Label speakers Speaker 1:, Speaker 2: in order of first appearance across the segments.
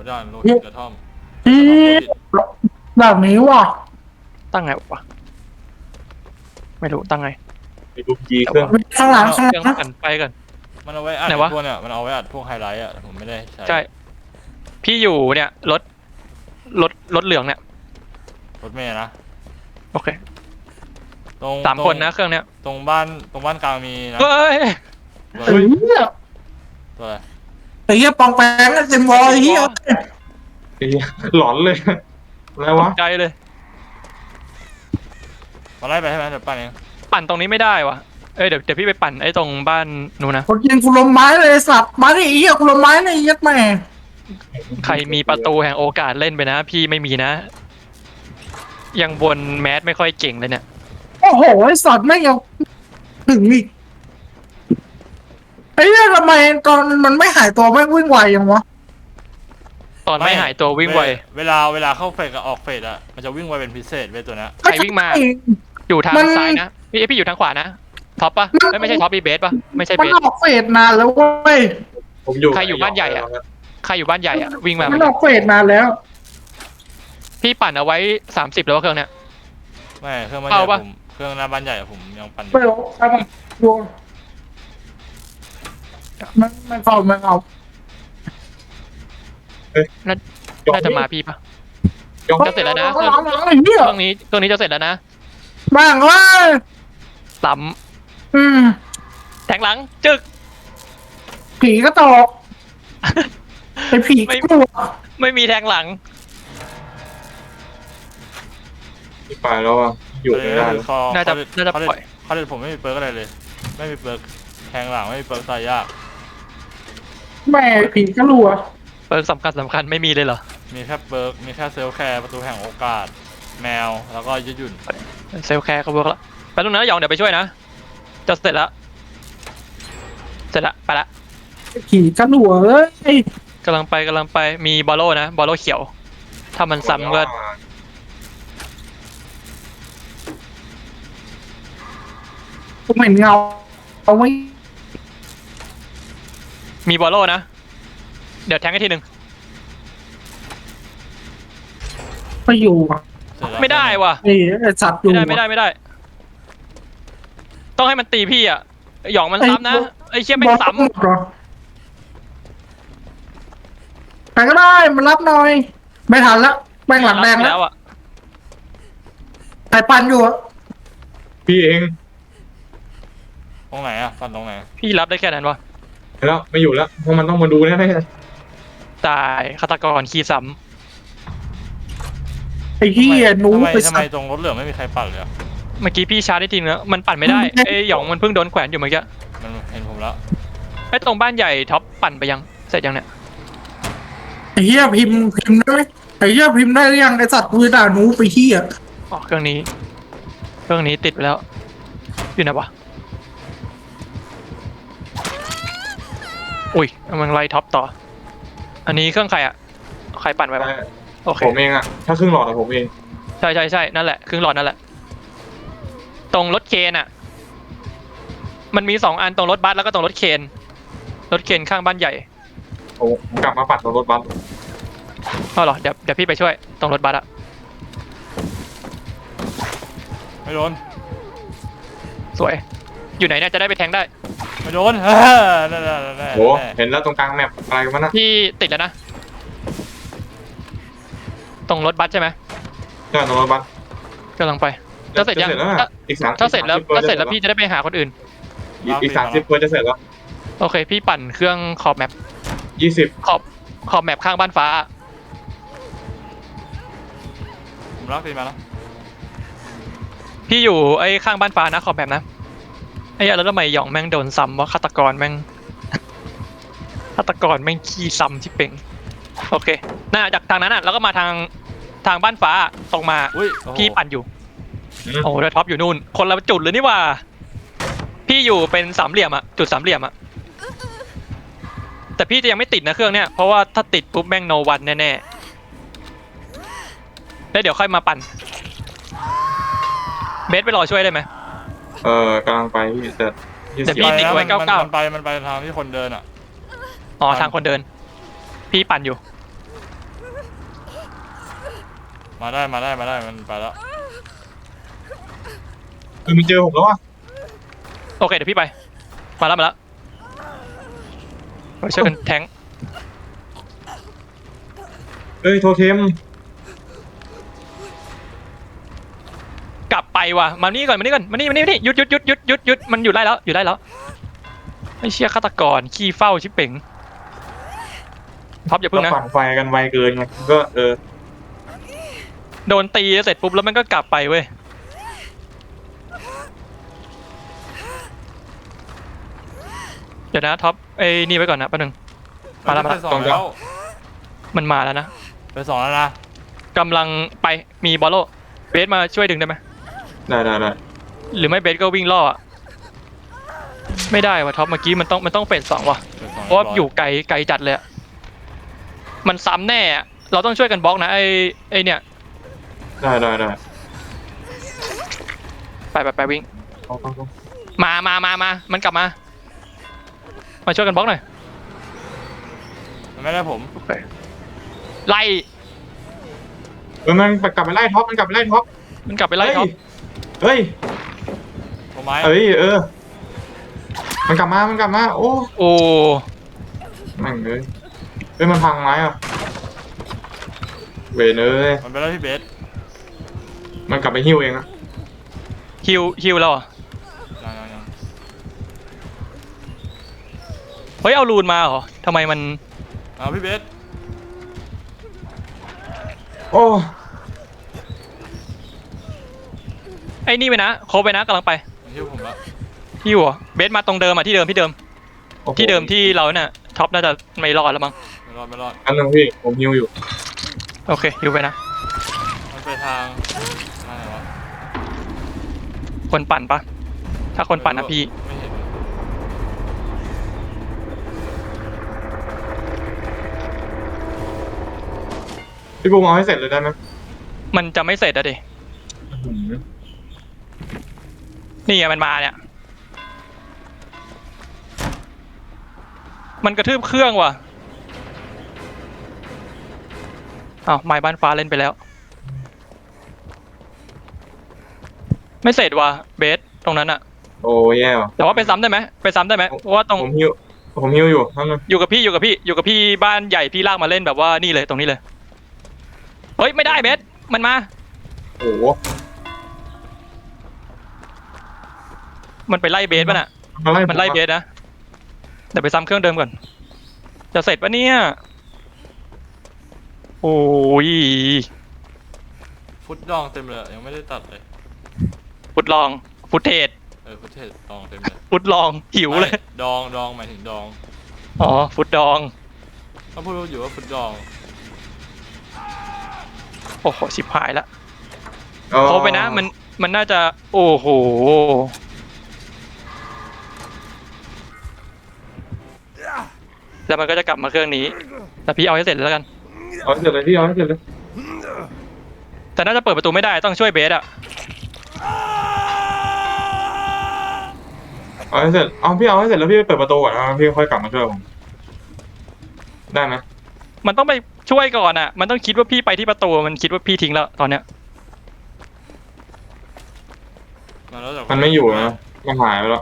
Speaker 1: ด้านโลหิตกระท่อม
Speaker 2: ที่แบบนี้ว่ะ
Speaker 3: ตั้งไงวะไม่รู้ตั้งไง
Speaker 4: ไปดูจีเครื่อง
Speaker 2: ข้างหลังข้างห
Speaker 3: เครื่อง
Speaker 2: ลัง
Speaker 3: กันไปกัน
Speaker 1: มันเอาไว้อัด
Speaker 3: ไหนวะ
Speaker 1: พวกเนี่ยมันเอาไว้อัดพวกไฮไลท์อ่ะผมไม่ได้ใช้
Speaker 3: ใช่พี่อยู่เนี่ยรถเหลืองเนี่ย
Speaker 1: รถเมล์นะ
Speaker 3: โอเค
Speaker 1: ตรง
Speaker 3: 3 คนนะเครื่องเนี้ย
Speaker 1: ตรงบ้านกลางมีนะ
Speaker 3: เฮ้ย
Speaker 1: ตัว
Speaker 2: เฮ้ย
Speaker 1: ตัวอะไร
Speaker 2: ไอ้เหี้ยปองแปงเต็มวอลไอ้เหี้ย
Speaker 4: ไอ้เหี้ยหลอนเลยอะไรวะ
Speaker 3: ใจเลย
Speaker 1: มาไล่ไปใช่ไหมเดี๋ยวปั้นเอง
Speaker 3: ปั่นตรงนี้ไม่ได้วะเดี๋ยวพี่ไปปั่นไอ้ตรงบ้านนู้นนะ
Speaker 2: คนยิงกูลมไม้เลยสับมาดิไอ้เหี้ยกูลมไม้ในยัดแม่
Speaker 3: ใครมีประตูแห่งโอกาสเล่นไปนะ พี่ไม่มีนะ ยังบนแมสไม่ค่อยเก่งเลยเนี่ย
Speaker 2: โอ้โหไอ้สัตว์ไม่ยังถึงอีกไอ้เหี้ยทำไมตอนมันไม่หายตัวไม่วิ่งไวยังวะ
Speaker 3: ตอนไม่หายตัววิ่งไว
Speaker 1: เวลาเข้าเฟสกับออกเฟสอ่ะมันจะวิ่งไวเป็นพิเศษเว้ยตัวเนี้ย
Speaker 3: ใครวิ่งมา อยู่ทางซ้ายนะพี่อยู่ทางขวานะท็อปปะไม่ใช่ท็อปพี่เบสปะไม่ใช่
Speaker 2: มั
Speaker 3: เบ
Speaker 2: น
Speaker 3: ส
Speaker 2: ออกเฟสนานแล้วเว้ย
Speaker 4: ผมอยู่
Speaker 3: ใครอยู่บ้านใหญ่อะ ใครอยู่บ้านใหญ่อะวิ่งมา
Speaker 2: มันออกเฟสนานแล้ว
Speaker 3: พี่ปั่นเอาไว้30แล้วเครื่องเนี้ย
Speaker 1: ไม่เครื่องบ้านใหญ่
Speaker 3: เอาปะ
Speaker 1: ผมเครื่องหน้าบ้านใหญ่ผมยังปั่นอยู่
Speaker 2: ไม่รู้ใช่ปะดูมันเอา
Speaker 3: น่าจะมาพี่ปะ
Speaker 4: ยก
Speaker 3: จะเสร็จแล้วนะ
Speaker 2: หลังไอ้เหี้ย
Speaker 3: เครื่องนี้จะเสร็จแล้วนะ
Speaker 2: บ้างว่า
Speaker 3: ซ้
Speaker 2: อืม
Speaker 3: ำแทงหลังจึก
Speaker 2: ผีก็ตอกไอ้ผีก็กลัว
Speaker 3: ไม่มีแทงหลัง
Speaker 4: ที่ไปแล้วอ่ะอยู่ไม่ได้แล้ว
Speaker 3: น่าจะปล่อย
Speaker 1: เขาเด็ดผมไม่มีเปิร์กอะไรเลย ไม่มีเปิร์กแทงหลังไม่มีเปิร์กตายยาก
Speaker 2: แม่ผีก็รัว
Speaker 3: เปิร์กสำคัญไม่มีเลยเหรอ
Speaker 1: มีแค่เปิร์กมีแค่เซลล์แคร์ประตูแห่งโอกาสแมวแล้วก็ยืดหยุ่น
Speaker 3: เซลล์แคร์ก็เวิร์กแล้วไปตรงนั้นหยองเดี๋ยวไปช่วยนะจะเสร็จแล้วไปละ
Speaker 2: ผีก็รัวเอ้ย
Speaker 3: กำลังไปมีบอลโล่นะบอลโล่เขียว ถ้ามันซ้ำก็
Speaker 2: ผมเห็นเงาเอาไม่
Speaker 3: มีบอลโล่นะ เดี๋ยวแทงให้ทีหนึ่ง
Speaker 2: ไปอยู่อ่ะ
Speaker 1: เสร็จแล้ว
Speaker 3: ไม่ได้ว่ะ
Speaker 2: ไอ้สัตว์อยู่
Speaker 3: ไม่ได้ ต้องให้มันตีพี่อ่ะหยองมันซ้ำนะไอ้เชี่ยไม่ซ้
Speaker 2: หรอใครก็ได้มันรับหน่อย ไม่ทันละแม่งหลังแดง
Speaker 3: ำ
Speaker 2: แล้ว
Speaker 3: อ่ะ
Speaker 2: ไอ้ปันอยู่อะ
Speaker 4: พี่เอง
Speaker 1: ตรงไหนอ่ะปั่นตรงไหน
Speaker 3: พี่รับได้แค่นั้นวะ
Speaker 4: แล้วไม่อยู่แล้วเพราะมันต้องมาดูแน่
Speaker 3: ตายฆาตกรขี้ซ้
Speaker 2: ไอ้ที่หนูไป
Speaker 1: ทำ
Speaker 2: สั
Speaker 1: ไม
Speaker 2: ตว์
Speaker 1: ตรงรถเหลืองไม่มีใครปั่นเลยอะ
Speaker 3: ำเมื่อกี้พี่ชาร์จได้ทีนึงแล้วมันปั่นไม่ได้ไอ้หยองมันเพิ่งโดนแขวนอยู่เมื่อกี้
Speaker 1: มันเห็นผมแล้ว
Speaker 3: ไอ้ตรงบ้านใหญ่ท็อปปั่นไปยังเสร็จยังเนี่ย
Speaker 2: ไอ้เหี้ยพิมพ์ได้ไหมไอ้เหี้ยพิมพ์ได้หรือยังไอ้สัตว์กูด่าหนูไปเหี้ย
Speaker 3: อ๋อเครื่องนี้ติดไปแล้วอยู่ไหนวะอุ้ยมันไล่ท็อปต่อ อันนี้เครื่องใครอ่ะใครปั่นไว้ปะโอเค
Speaker 4: ผมเองอ่ะถ้าครึ่งหลอดอะผมเอง
Speaker 3: ใช่นั่นแหละครึ่งหลอดนั่นแหละตรงรถเคนอ่ะมันมี2 อันตรงรถบัสแล้วก็ตรงรถเคนข้างบ้านใหญ่
Speaker 4: ผมกลับมาปัดรถบัส
Speaker 3: เอาเหรอเดี๋ยวพี่ไปช่วยตรงรถบัสอะ
Speaker 1: ไม่โดน
Speaker 3: สวย อยู่ไหนเนี่ยจะได้ไปแทงได้
Speaker 1: ไม่โดน นั่น
Speaker 4: โหเห็นแล้วตรงกลางแมปอะไรกันนะ
Speaker 3: พี่ติดแล้วนะตรงรถบัสใช่ไหม
Speaker 4: ใช่ตรงรถบัส
Speaker 3: กำลังไปจะเสร็จยัง
Speaker 4: แล้วนะอีก3
Speaker 3: ถ้าเสร็จแล้วพี่จะได้ไปหาคนอื่น
Speaker 4: อีก30เพื่อจะเสร็จแล้ว
Speaker 3: โอเค พี่ปั่นเครื่องขอบแมป
Speaker 4: 20
Speaker 3: ขอบแมปข้างบ้านฟ้า
Speaker 1: ผมรักตีมาแล้ว
Speaker 3: พี่อยู่ไอ้ข้างบ้านฟ้านะขอบแมปนะไอ้เหี้ยแล้วทำไมหยองแม่งโดนซ้ำว่าฆาตกรแม่ง ฆาตกรแม่งขี้ซ้ำที่เป่งโอเคน่าจากทางนั้นอ่ะแล้วก็มาทางบ้านฟ้าตรงมา
Speaker 1: อุ้ย
Speaker 3: พี่ปั่นอยู่โอ้โหแล้วท็อปอยู่นู่นคนละจุดเลยนี่ว่า พี่อยู่เป็นสามเหลี่ยมอะจุดสามเหลี่ยมอะแต่พี่จะยังไม่ติดนะเครื่องเนี้ยเพราะว่าถ้าติดปุ๊บแม่งโนวันแน่ๆแล้วเดี๋ยวค่อยมาปั่นเบสไปรอช่วยได้ไหม
Speaker 4: กำลังไปพี่แต่
Speaker 3: เดี๋ยวพี่ ติ๊กไว้
Speaker 1: มันไปทางที่คนเดินอ่ะ
Speaker 3: อ๋อทางคนเดิน พี่ปั่นอยู่
Speaker 1: มาได้มันไปแล้ว
Speaker 4: มันเจอผมแล้วอ่ะ
Speaker 3: โอเคเดี๋ยวพี่ไปมาแล้วไปช่วยกันแทง
Speaker 4: เอ้ยโทเทม
Speaker 3: กลับไปว่ะมานี่ก่อนมานี่หยุดมันอยู่ได้แล้วไม่เชี่ยฆาตกรขี้เฝ้าชิบเป๋งท็อปอย่าพึ่งนะ
Speaker 4: ปั่นไฟกันไวเกินไงก็
Speaker 3: โดนตีเสร็จปุ๊บแล้วมันก็กลับไปเว้ยเดี๋ยวนะท็อปไอ้นี่ไว้ก่อนนะแป๊บนึงมาแล้ว
Speaker 1: ไปสองแล้ว
Speaker 3: มันมาแล้วนะ
Speaker 1: ไปสองแล้วนะ
Speaker 3: กำลังไปมีบอลโลเบสมาช่วยดึงได้ไหม
Speaker 4: ได้
Speaker 3: หรือไม่เบสก็วิ่งล่ออะไม่ได้ว่ะท็อปเมื่อกี้มันต้องเฟส2ว่ะ
Speaker 1: ไปสอง
Speaker 3: เพราะว่าอยู่ไกลจัดเลยอะมันซ้ำแน่อะเราต้องช่วยกันบล็อกนะไอ้เนี่ย
Speaker 4: ได้
Speaker 3: ไปวิ่งมามันกลับมาช่วยกันบล็อกหน่อย
Speaker 1: มันไม่ได้ผม
Speaker 3: ไล่
Speaker 4: มันกลับไปไล่ท็อปมันกลับไปไล่ท็อป
Speaker 3: เฮ้ย
Speaker 1: ผมไม้
Speaker 4: มันกลับมาโอ้
Speaker 3: โอ้
Speaker 4: แม่งเลยมันพังไม้อ่ะเวรเอ้ย
Speaker 1: มันไปแล้วพี่เบส
Speaker 4: มันกลับไปหิ้วเองอะ
Speaker 3: ฮิวเราเหรอ
Speaker 1: ยัง
Speaker 3: เฮ้ยเอารูนมาเหรอทำไมมัน
Speaker 1: เอาพี่เบส
Speaker 4: โอ้
Speaker 3: ไอ้นี่ไปนะโคบไปนะกำลังไป
Speaker 1: มันหิ้วผมแล้ว
Speaker 3: ฮิวเหรอเบสมาตรงเดิมอ่ะที่เดิมที่เดิมที่เราเนี่ยท็อปน่าจะไม่รอดแล้วมั้ง
Speaker 1: ไม่รอด
Speaker 4: อันนึงพี่ผมหิ้วอยู่
Speaker 3: โอเคฮิวไปนะ
Speaker 1: มันไปทางอะไรวะ
Speaker 3: คนปั่นปะถ้าคนปั่นนะพี่
Speaker 1: ไม่เห็น
Speaker 4: พี่บูมเอาให้เสร็จเลยได้ไหม
Speaker 3: มันจะไม่เสร็จอะดินี่ไงมันมาเนี่ยมันกระทืบเครื่องว่ะอ้าวไม้บ้านฟ้าเล่นไปแล้วไม่เสร็จว่ะเบสตรงนั้นอะ
Speaker 4: โอ้แย่ว่ะ
Speaker 3: แต่ว่าไปซ้ำได้ไหมเพราะว่าตรง
Speaker 4: ผมหิ้วอยู่นั่นนึง
Speaker 3: อยู่กับพี่บ้านใหญ่พี่ลากมาเล่นแบบว่านี่เลยตรงนี้เลยเฮ้ยไม่ได้เบสมันมา
Speaker 4: โอ้
Speaker 3: มันไปไล่เบสป่ะน่ะมันไล่เบสนะเดี๋ยวไปซ้ำเครื่องเดิมก่อนจะเสร็จปะเนี่ยโอ้ย
Speaker 1: ฟุตดองเต็มเลยยังไม่ได้ตัดเลย
Speaker 3: ฟุตลองฟุตเทจ
Speaker 1: ฟุตเทสดองเต็มเลย
Speaker 3: ฟุตลองหิวเลย
Speaker 1: ดองหมายถึงดอง
Speaker 3: อ๋อฟุตดอง
Speaker 1: ก็พูดอยู่ว่าฟุตดอง
Speaker 3: โอ้โหชิบหายละเขาไปนะมันน่าจะโอ้โหแล้วมันก็จะกลับมาเครื่องนี้แต่พี่เอาให้เสร็จแล้วกัน
Speaker 4: เอาให้เสร็จเลยพี่เอาให้เสร็จเลย
Speaker 3: แต่น่าจะเปิดประตูไม่ได้ต้องช่วยเบสอะ
Speaker 4: เอาให้เสร็จพี่เอาให้เสร็จแล้วพี่ไปเปิดประตูก่อนนะพี่ค่อยกลับมาช่วยผมได้ไหม
Speaker 3: มันต้องไปช่วยก่อนอะมันต้องคิดว่าพี่ไปที่ประตูมันคิดว่าพี่ทิ้งแล้วตอนเนี้ย
Speaker 4: มันไม่อยู่นะมันหายไปแล้ว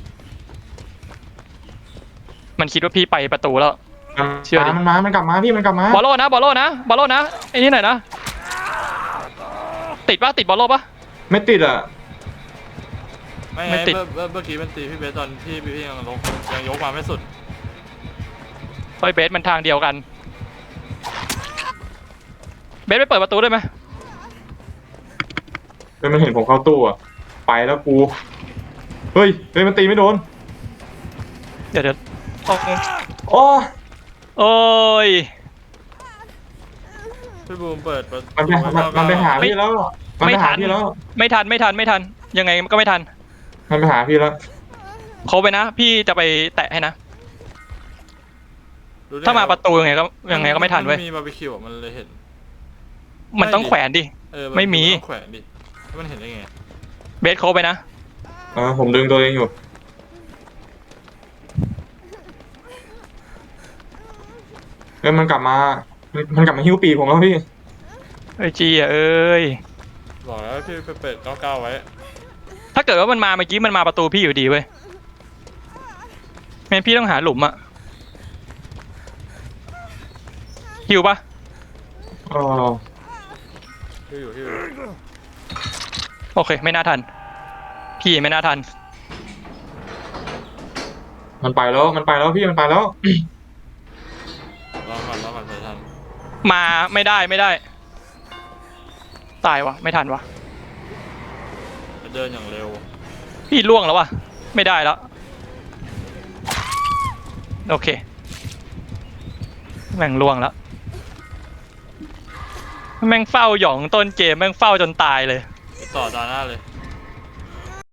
Speaker 3: มันคิดว่าพี่ไปประตูแล้ว เชื่อดิ
Speaker 4: มันกลับมาพี่มันกลับมา
Speaker 3: บอลโลนะไอ้นี่หน่อยนะติดบอลโลปะ
Speaker 4: ไม่ติดอ่ะ
Speaker 1: ไม่
Speaker 3: ไม่ติด
Speaker 1: เมื่อกี้มันตีพี่เบสตอนที่พี่ยังยกมาไม่สุด
Speaker 3: ไอ้เบสมันทางเดียวกันเบสไปเปิดประตูได้ไหม
Speaker 4: มันเห็นผมเข้าตู้อ่ะไปแล้วกูเฮ้ยมันตีไม่โดน
Speaker 3: เดี๋ยว
Speaker 4: โอ้
Speaker 3: โอ้ย
Speaker 1: พี่บูมเปิดประตู
Speaker 4: มันไปหาพี่แล้วมันไปหาพี่แล้ว
Speaker 3: ไม่ทันยังไงก็ไม่ทัน
Speaker 4: มันไปหาพี่แล้ว
Speaker 3: เขาไปนะพี่จะไปแตะให้นะถ้ามาประตูยังไงก็ไม่ทันเว้ย
Speaker 1: มีบาร์บีคิวมันเลยเห็น
Speaker 3: มันต้องแขวนดิ ไม่มี
Speaker 1: ต้องแขวนดิมันเห็นได้ไง
Speaker 3: เบสโคไปนะ
Speaker 4: ผมดึงตัวเองอยู่มันกลับมาหิ้วปีกผมแล้วพี่
Speaker 3: เอ้ยจีอ่ะเอ้ย
Speaker 1: บอกแล้วพี่ไปเปิด99ไว้
Speaker 3: ถ้าเกิดว่ามันมาเมื่อกี้มันมาประตูพี่อยู่ดีเว้ยงั้นพี่ต้องหาหลุมอะหิวปะ
Speaker 4: อ๋อ
Speaker 1: พี่อยู่
Speaker 3: โอเคไม่น่าทันพี่ไม่น่าทัน
Speaker 4: มันไปแล้วพี่มันไปแล้ว
Speaker 1: รอก่อนใส่ทัน
Speaker 3: มาไม่ได้ตายวะไม่ทันวะ
Speaker 1: เดินอย่างเร็ว
Speaker 3: พี่ล่วงแล้ววะไม่ได้แล้วโอเคแม่งล่วงแล้วแม่งเฝ้าหยองต้นเกมแม่งเฝ้าจนตายเลย
Speaker 1: ไปต่อตาหน้าเลย